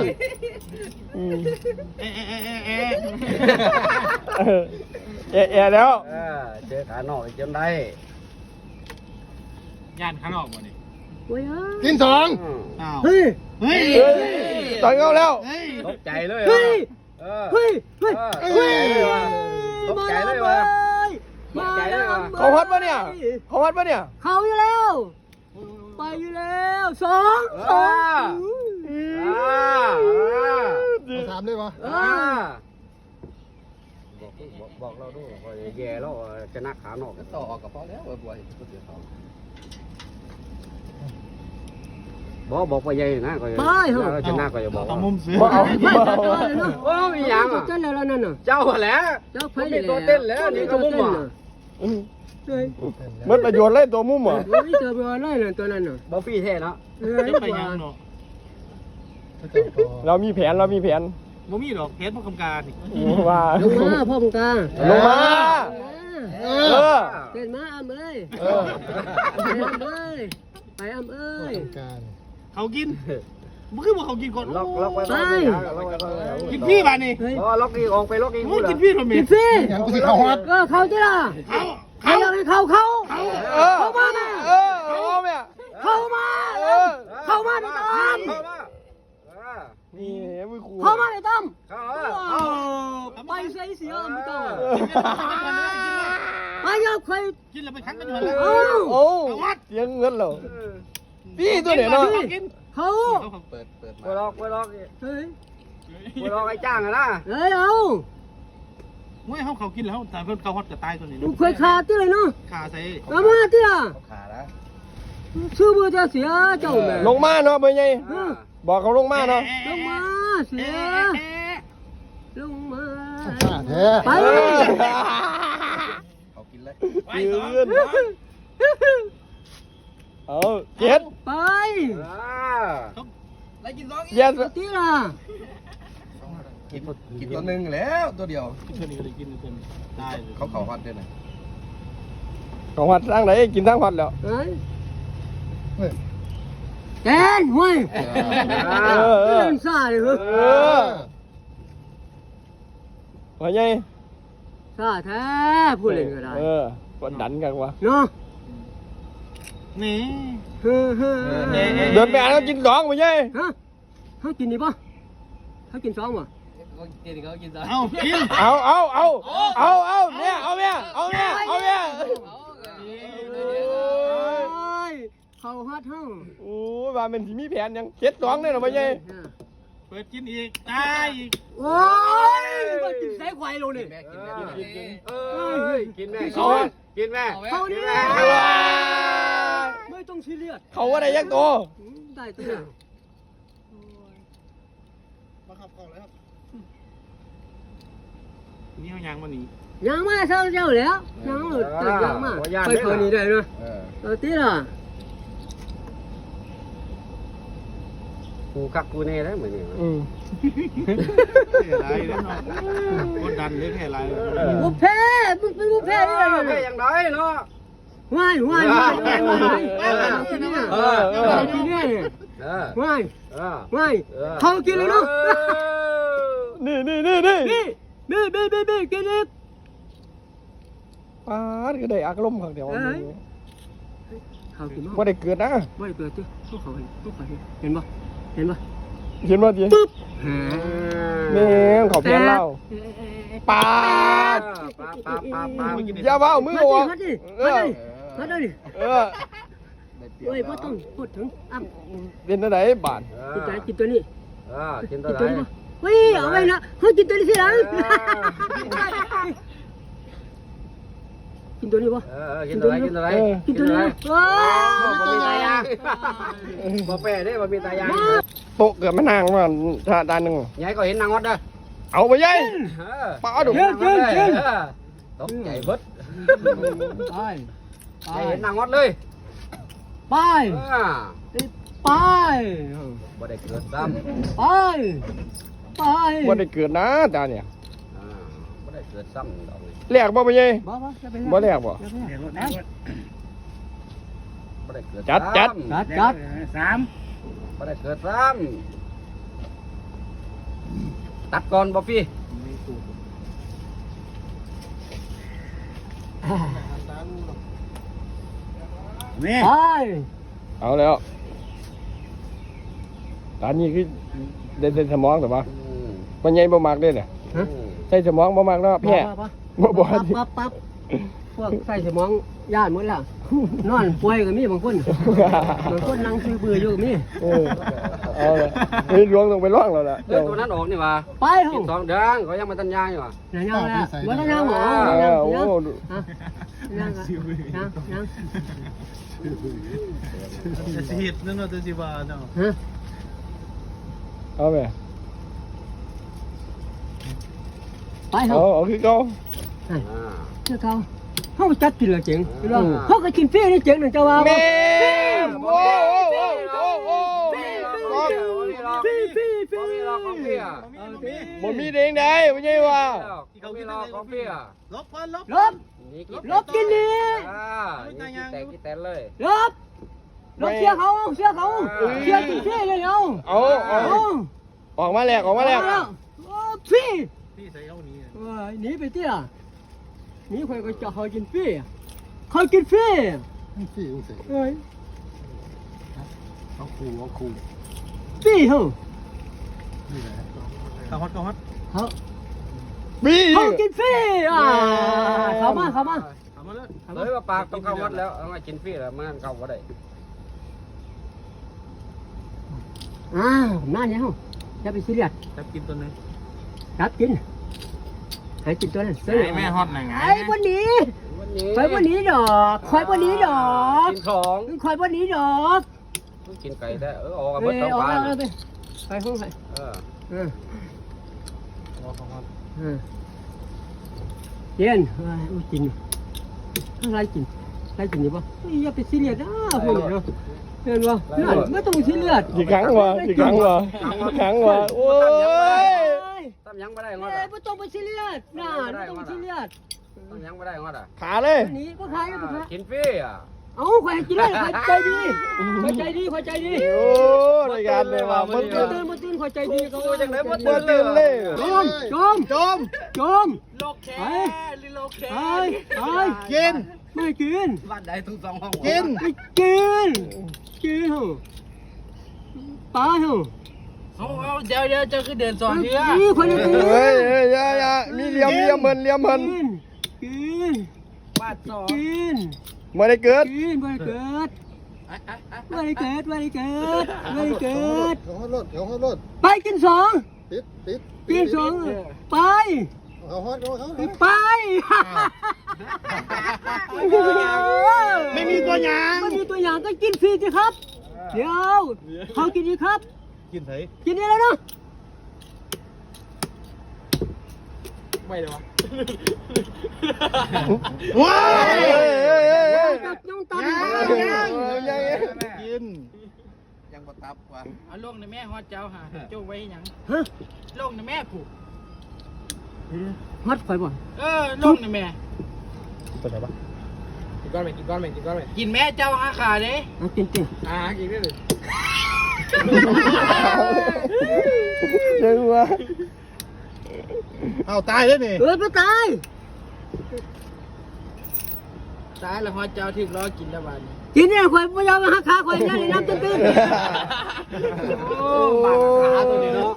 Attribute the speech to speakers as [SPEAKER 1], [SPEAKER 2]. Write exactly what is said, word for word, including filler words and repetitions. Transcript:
[SPEAKER 1] เอ๊ะเอ๊ะเอ๊ะเอ๊ะ
[SPEAKER 2] เอะเอะแล้ว
[SPEAKER 3] เออเจอขานอกจนได้
[SPEAKER 1] ย่านข้างนอกบ่นี่
[SPEAKER 4] โอ้ย
[SPEAKER 5] กินสอง
[SPEAKER 1] อ้าว
[SPEAKER 4] เฮ้ย
[SPEAKER 1] เฮ้ย
[SPEAKER 2] เฮ้ยต่อยเขาแล้ว
[SPEAKER 1] เฮ้ย
[SPEAKER 3] ตกใจเลย
[SPEAKER 4] เฮ้ย
[SPEAKER 3] เออ
[SPEAKER 4] เฮ้ยเฮ้ย
[SPEAKER 3] เฮ้ยตกใจเลยว่ะ
[SPEAKER 4] มาแล้ว
[SPEAKER 2] เขาฮอตปะเนี่ยเขาฮอตปะเนี่ย
[SPEAKER 4] เขาอยู่แล้วไปอยู่แล้วสองสอง
[SPEAKER 3] อ่า
[SPEAKER 5] ถามเลยวะ
[SPEAKER 3] อ่าบอกบอกบอกเราด้วยว่าแย่แล้วจะนักขานอกต่อออกกับพ่อแล้วบ่อยๆก็เสียเขาบอกบอกว่าใหญ่นะก็เราจะนักก็จะบอก
[SPEAKER 1] เอามุมซื้อ
[SPEAKER 2] เอา
[SPEAKER 4] ไม่
[SPEAKER 2] เอา
[SPEAKER 4] จัดตัวเลยเนาะ
[SPEAKER 3] โอ้ยยังอ่ะ
[SPEAKER 4] เต้นแล้วนั่นน่ะ
[SPEAKER 3] เจ้าแหละ
[SPEAKER 4] เจ้าไฟ
[SPEAKER 3] มีตัวเต้นแล้วนี่ตัวมุมอ่ะ
[SPEAKER 4] เฮ้ย
[SPEAKER 2] มันประโยชน์เลยตัวมุมเหรอ
[SPEAKER 4] โอ้ยเจอไปวันไรน่ะตัวนั้นน่ะ
[SPEAKER 3] บอฟี่เท่เนาะ
[SPEAKER 4] เฮ้ย
[SPEAKER 1] จะไปยังเนาะ
[SPEAKER 2] เรามีแผนเรามีแผน
[SPEAKER 1] บ่มีดอกเพชรบ่กำการนี่
[SPEAKER 2] ว่า
[SPEAKER 4] ลงมาพ่อมึงตา
[SPEAKER 2] ลงมา
[SPEAKER 5] เอ
[SPEAKER 2] เอ
[SPEAKER 5] อ
[SPEAKER 2] อ
[SPEAKER 4] เต้นมาอ้ำเอ้ย
[SPEAKER 2] เออ
[SPEAKER 4] ไปอ้ำเอ้ยไปอ้ำเอ้ย
[SPEAKER 5] การ
[SPEAKER 1] เขากินบ่คือบ่เขากินก่อน
[SPEAKER 3] ล็อกล็อกไว้ล็อกไว้ล็อกไว้
[SPEAKER 1] กินพี่บาดนี่
[SPEAKER 4] เฮ้ย
[SPEAKER 3] อ๋อล็อกอีกออกไปล็อกอีก
[SPEAKER 1] โอ้ยกินพี่ทำไม
[SPEAKER 4] กินฟรี
[SPEAKER 5] อย่างกูสิเข้าฮอต
[SPEAKER 4] ก็เขาจ้ะล่ะ
[SPEAKER 1] เขา
[SPEAKER 4] เขาอยากให้เขาเขา
[SPEAKER 2] เออเข้ามาเออเอาแม่
[SPEAKER 4] เข้ามา
[SPEAKER 2] เออ
[SPEAKER 4] เข้ามาในต้ม
[SPEAKER 3] เข้ามา
[SPEAKER 2] นี่มือครู
[SPEAKER 4] เข้ามาในต้ม
[SPEAKER 3] เข้า
[SPEAKER 4] เอาไปใส่เสียไม่ต้องไปยกใคร
[SPEAKER 1] กินแล้วไปคั้งกันอยู่แล้ว
[SPEAKER 4] เอา
[SPEAKER 2] โอ้เสียงเงินเหรอพี่ตัวเนี่ยเนาะ
[SPEAKER 1] กิน
[SPEAKER 4] เขา
[SPEAKER 1] เปิดเปิด
[SPEAKER 3] ไปล็อกไปล็อก
[SPEAKER 4] เฮ้ย
[SPEAKER 3] ไปล็อกไอ้จ้างอะนะ
[SPEAKER 4] เฮ้ยเอา
[SPEAKER 1] เมื่อเขาเขากินแล้วแต่เพิ่นเขาฮอตจะตายตัวนี้
[SPEAKER 4] มึงเคยขาดที่เลยเนาะ
[SPEAKER 1] ขาใส่
[SPEAKER 4] เอามาที่ล่ะ
[SPEAKER 3] ขาละ
[SPEAKER 4] ชื่อมือจะเสียเจ้าแม่
[SPEAKER 2] ลงมาเนาะเป็นไงบอกเขาลงมาเนาะ
[SPEAKER 4] ลงมาเสียลงมา
[SPEAKER 5] ข้าแท้
[SPEAKER 4] ไป
[SPEAKER 3] เขากินเลย
[SPEAKER 2] ยืนเอาเจ็ด
[SPEAKER 4] ไป
[SPEAKER 3] แล้วกินร้อง
[SPEAKER 2] เย็ด
[SPEAKER 4] ที่ล่ะ
[SPEAKER 3] กินกินตัวหนึ่งแล้วตัวเดียว
[SPEAKER 1] เพิ่นนี่ก็ได้กินตัวนี้ได้เลย
[SPEAKER 3] เขาเขาฮอตด้วยนะ
[SPEAKER 2] ของวัดสร้างไหนกินทั้งวัดแล้ว
[SPEAKER 4] เฮ้ยแกนเว้ย
[SPEAKER 2] เออเออ
[SPEAKER 4] เล่นซ่าเลยเหรอ
[SPEAKER 2] เออว่าไง
[SPEAKER 4] ซ่าแท้พูดเล่นก็ได้
[SPEAKER 2] เออกดดันกันวะ
[SPEAKER 4] เนาะ
[SPEAKER 1] นี่
[SPEAKER 4] เฮ้อเฮ้อ
[SPEAKER 2] เดินไปอ่านเขากินสองไปไง
[SPEAKER 4] ฮะเขากินดีป่ะเขากินสองป่ะ
[SPEAKER 1] เอากิน
[SPEAKER 2] เอาเอาเอาเอาเอาเนี่ยเอาเนี่ยเอาเนี่ยเอาเนี่ย
[SPEAKER 4] เขาฮัดเฮา
[SPEAKER 2] โอ้ยว่าเป็นที่มีแผนยังเจ็ดสองเนี่ยหรอไปไง
[SPEAKER 1] เปิดกินอีกตายอีก
[SPEAKER 4] โอ้ยมากินแสงไฟลงนี่
[SPEAKER 3] เอ้ยกินแม่กินแม่
[SPEAKER 4] เขานี่
[SPEAKER 3] แม่
[SPEAKER 4] ไม่ต้องซีเรียส
[SPEAKER 2] เขาว่าได้ยักษ์ตัว
[SPEAKER 4] ได้ตัว
[SPEAKER 1] มาขับก่อนเลยครับนี่เขายางมาหนี
[SPEAKER 4] ยังมาเศร้าเจ้าแล้วยังหลุดตัดยังมาไปคนนี้ได้เนาะเอาตีล่ะ
[SPEAKER 3] กูกักกูเน่แล้วเหมือนนี่
[SPEAKER 2] อืม
[SPEAKER 1] แค่ไรแล้วเนาะกดดันเลยแค่ไร
[SPEAKER 4] บุพเพมึงเป็นบุพเพนี่เลย
[SPEAKER 3] แค่ยังไงเนาะ
[SPEAKER 4] ว่ายว่ายว่ายว่ายว่ายที่นี่เออเออที่นี่
[SPEAKER 3] เออ
[SPEAKER 4] ว่าย
[SPEAKER 3] เออ
[SPEAKER 4] ว่ายเขากินเลยเนาะ
[SPEAKER 2] นี่นี่นี่นี่
[SPEAKER 4] นี่นี่นี่นี่นี่กินอีก
[SPEAKER 2] ป้าดก็ได้อารมณ์ข้างเดียว
[SPEAKER 4] เขากินมั้ง
[SPEAKER 2] ว่าได้เกิดนะ
[SPEAKER 4] ไม่เกิดจ้ะเขาเขาเห็นเขาเห็นปะเห็นปะ
[SPEAKER 2] เห็นว่าดี
[SPEAKER 4] ปึ๊บ
[SPEAKER 2] นี่เขาเพี้ยนเล่าปาด
[SPEAKER 3] ปาปาปาปา
[SPEAKER 2] อย่าเบ้ามือวะ
[SPEAKER 4] ฮัดดิ
[SPEAKER 2] เอ
[SPEAKER 4] ฮัด
[SPEAKER 2] อ
[SPEAKER 4] ดิฮัดดิ
[SPEAKER 2] เออ
[SPEAKER 4] เฮ้ยพ่อต้องพูดถึงอ้ำ
[SPEAKER 2] เป็นอะไรบาท
[SPEAKER 4] กินใจกินตัวนี้
[SPEAKER 3] เออกินตั
[SPEAKER 4] กิ
[SPEAKER 3] วน ไห
[SPEAKER 4] ตัวนี้ปะเฮ้ยเอาไว้นะเขากินตัวนี้สิหลังกินตัวนี้ปะ
[SPEAKER 3] เออกินตัวไหนกินตัวไหน
[SPEAKER 4] กินตัวนี้ว้า
[SPEAKER 3] บ่มีตายางบ่แปะเด้บ่มีตายาง
[SPEAKER 2] โต๊ะเกิดมานางมาถ้าด้านหนึ่ง
[SPEAKER 3] ยายก็เห็นนางวัดเด้อ
[SPEAKER 2] เอาไปยัย
[SPEAKER 3] เออ
[SPEAKER 2] ป้าดุ
[SPEAKER 3] เชิญเชิญเชิญตกใจเบิด
[SPEAKER 4] ไป
[SPEAKER 3] ยายเห็นนางวัดเลย
[SPEAKER 4] ไป
[SPEAKER 3] อ่า
[SPEAKER 4] ไป
[SPEAKER 3] บ่ได้เกิดซ้ำ
[SPEAKER 4] ไปไป
[SPEAKER 2] ว่าได้เกิดนะตาเนี่ย
[SPEAKER 3] อ่าบ่ได้เกิดซ้ำดอก
[SPEAKER 2] แลกบ่ไปยัย
[SPEAKER 4] บ่บ่จะไป
[SPEAKER 2] บ่แลกบ่
[SPEAKER 3] บ่ได้เกิด
[SPEAKER 2] จัดจัด
[SPEAKER 4] จัดจัด
[SPEAKER 1] สาม
[SPEAKER 3] บ่ได้เกิดซ้ำตัดก่อนบ๊อบบี้
[SPEAKER 1] นี่
[SPEAKER 4] ไป
[SPEAKER 2] เอาแล้วตอนนี้คือเดินเส้นสมองแต่ว่ามันใหญ่บ่มากเลยเนี่ยใส่สมองบ่มากแล้วแพ้บ่บ่
[SPEAKER 4] ปั๊บปั๊บปั๊บพวกใส่สมองย่านหมดแล้วนอนป่วยก็มีบางคนบางคนนั่งซื้อเบื่ออยู่ก็มี
[SPEAKER 2] เออเอาละนี่ลวงลงไปล่องแล้วล่ะ
[SPEAKER 3] เดินตัวนั้นออกนี่ว่า
[SPEAKER 4] ไปเถ
[SPEAKER 3] กิน
[SPEAKER 4] อะ
[SPEAKER 3] สองเดือนเขายังมาตันยางอยู่ว่ะ
[SPEAKER 4] ยังยังแล้วว่ายังหมอ
[SPEAKER 2] เอ
[SPEAKER 4] ยัง
[SPEAKER 2] อโอ้
[SPEAKER 4] ยัง
[SPEAKER 2] โห
[SPEAKER 4] ฮะยังยังยัง
[SPEAKER 1] จะสิเฮ็ดนั่นเนาะจะสิว่าเนาะ
[SPEAKER 4] ฮะ
[SPEAKER 2] เอาไป
[SPEAKER 4] ไปเถ
[SPEAKER 2] เอา
[SPEAKER 4] อะ
[SPEAKER 2] เอาคือเก่า
[SPEAKER 3] อ่า
[SPEAKER 4] เจ้าเขาเขาจัดกินเลยเจ๋งพี่น้องเขาก็กินฟรีนี่เจ๋งหนึ่งเจ้าว่า
[SPEAKER 2] แม่โอ้โอ้โอ้โอ้
[SPEAKER 4] ฟรีฟรีฟรี
[SPEAKER 3] บ๊อบบี้รอของพี่อ่ะ
[SPEAKER 2] บ่มีเด้งได้บ่ใช่ว่า
[SPEAKER 3] บ๊อบบี้รอของพี่อ่ะ
[SPEAKER 1] ลบก่อนลบ
[SPEAKER 4] ลบลบกินนี่
[SPEAKER 3] อ่านี่กินแต่กินแต่เลย
[SPEAKER 4] ลบลบเสียเขาเสียเขาเสียกินฟรีเลยเอา
[SPEAKER 2] เอาเอาออกมาแลกออกมาแลก
[SPEAKER 4] ฟรี
[SPEAKER 1] พี่ใส่เอานี้
[SPEAKER 4] หนีไปเตี้ยหนีใครก็จะเขากินฟรีเขากินฟรี
[SPEAKER 5] สี่อุ้งเสก
[SPEAKER 4] เอ้ย
[SPEAKER 5] เอาคูเอาคู
[SPEAKER 4] ฟรีเหรอ
[SPEAKER 5] นี่แหละ
[SPEAKER 1] ข้าวฮอตข้าวฮอต
[SPEAKER 4] เขา
[SPEAKER 2] บี
[SPEAKER 4] เขากินฟรีอ่าเข้ามาเข้ามา
[SPEAKER 1] เอามาเลย
[SPEAKER 3] เลยว่าปากต้องเข้าวัดแล้วเอามากินฟรีแล้วมันเข้าวัดได้
[SPEAKER 4] อ้าวนั่นเนี่ยเขาจะไปซีเรียส
[SPEAKER 1] จับกินตัวนึง
[SPEAKER 4] รับกินให้กินตัวนั้นซื้อ
[SPEAKER 1] ไอ้แม่ฮอตไหนไง
[SPEAKER 4] ไอ้วันนี้
[SPEAKER 3] วันนี้
[SPEAKER 4] คอยวันนี้ดอกคอยวันนี้ดอก
[SPEAKER 3] กินของ
[SPEAKER 4] คอยวันนี้ดอก
[SPEAKER 3] กินไก่ได้เออออกกับ
[SPEAKER 4] เอ
[SPEAKER 3] เบิด
[SPEAKER 4] อ
[SPEAKER 3] ท้อง
[SPEAKER 4] เอา
[SPEAKER 3] ปลา
[SPEAKER 4] เอาไปไปห้องไป
[SPEAKER 3] เออ
[SPEAKER 4] เออ
[SPEAKER 1] ข้าวฮอต
[SPEAKER 4] เออเย็นอุ้ยกินอะไรกินอะไรกินดีป่ะอย่าไปซีเรียสนะพวกนี้เนาะเห็นป่ะนั่นไม่ต้องซีเรียส
[SPEAKER 2] กี่ครั้งวะกี่ครั้งวะกี่ครั้งวะโอ้ย
[SPEAKER 3] ตั้มยังไม่ได้งอด
[SPEAKER 4] เอ้
[SPEAKER 3] อ่ะ
[SPEAKER 4] ยไม่ต้องไปซีเรียสนะไม่ต้องไปซีเรียส
[SPEAKER 3] ตั้มยังไม่ได้งอดอ่ะ
[SPEAKER 2] ขาเลย
[SPEAKER 4] นี่ก็ขายก็ขาย
[SPEAKER 3] กินฟรีอ่ะ
[SPEAKER 4] เอาขายกินเลยขายใจดีขายใจดีขายใจดี
[SPEAKER 2] โอ้รายการเลยว่ะมัน
[SPEAKER 4] ตื่
[SPEAKER 2] ตื่
[SPEAKER 4] น
[SPEAKER 2] น
[SPEAKER 4] มาตื่นขายใจดีเขา
[SPEAKER 3] กูจังไหนบ่
[SPEAKER 2] เปิดตื่นเลย
[SPEAKER 4] จมจมจมจมโลเคลิโลเคไอ้ไอ้กินไม่กิน
[SPEAKER 3] บ้านใดทุกสองห้อง
[SPEAKER 4] กินไม่กินกินเหรอปลาเหรอ
[SPEAKER 6] เอาเอาเดี๋ยวเดี๋ยวจะคือเดินสอนเพื่อ
[SPEAKER 4] นี่คนนี้กิน
[SPEAKER 2] เฮ้ยเฮ้ยอย่าอย่ามีเหลี่ยมเหลี่ยมเพิ่นเหลี่ยมเพิ่น
[SPEAKER 4] กิน
[SPEAKER 6] บาดสอน
[SPEAKER 4] กิน
[SPEAKER 2] ไม่ได้เกิด
[SPEAKER 4] กินไม่เกิดไม่เกิดไม่เกิดไม่เกิด
[SPEAKER 5] เดี๋ยวเขารถเดี๋ยวเขารถ
[SPEAKER 4] ไปกินสอง
[SPEAKER 5] ติดติด
[SPEAKER 4] กินสองไป
[SPEAKER 5] เขาฮอตเขาเขา
[SPEAKER 4] ไป
[SPEAKER 1] ไม่มีตัวอย่าง
[SPEAKER 4] ไม่มีตัวอย่างก็กินฟรีสิครับ เดี๋ยวเขากินดีครับ
[SPEAKER 1] กินไถ
[SPEAKER 4] กินได้แล้วเนาะ
[SPEAKER 6] ไม่เลยวะ
[SPEAKER 1] ว้า
[SPEAKER 2] เฮ้ยเฮ้ยเฮ้ยเฮ้ย
[SPEAKER 4] ตัดยังตัด
[SPEAKER 2] ยังยัง
[SPEAKER 1] กินยังบ่ตับว่ะ
[SPEAKER 6] เอาลงในแม่ฮอดเจ้าหาโจ้ไว้หยัง
[SPEAKER 4] ฮะ
[SPEAKER 6] ลงในแม่ผูก
[SPEAKER 4] มัดไฟบ่
[SPEAKER 6] เออลงในแม่
[SPEAKER 2] ตัวไหนปะ
[SPEAKER 3] กินก้อนไหมกินก้อนไหมกินก้อนไหม
[SPEAKER 6] กินแม่เจ้าหาขาเด้
[SPEAKER 4] เอากินกิน
[SPEAKER 3] อ่ากินได้เลย
[SPEAKER 2] ยังวะ
[SPEAKER 1] เอาตายแล้วนี่
[SPEAKER 4] เออไม่ตาย
[SPEAKER 6] ตายแล้วฮอดเจ้าถึงรอกินแล้วบาดนี้
[SPEAKER 4] กินเนี่ยข่อยไม่ยอมมาหาขาข่อยนั่นน้ำตื้น
[SPEAKER 3] โอ้บาดขาตัวนี้เนาะ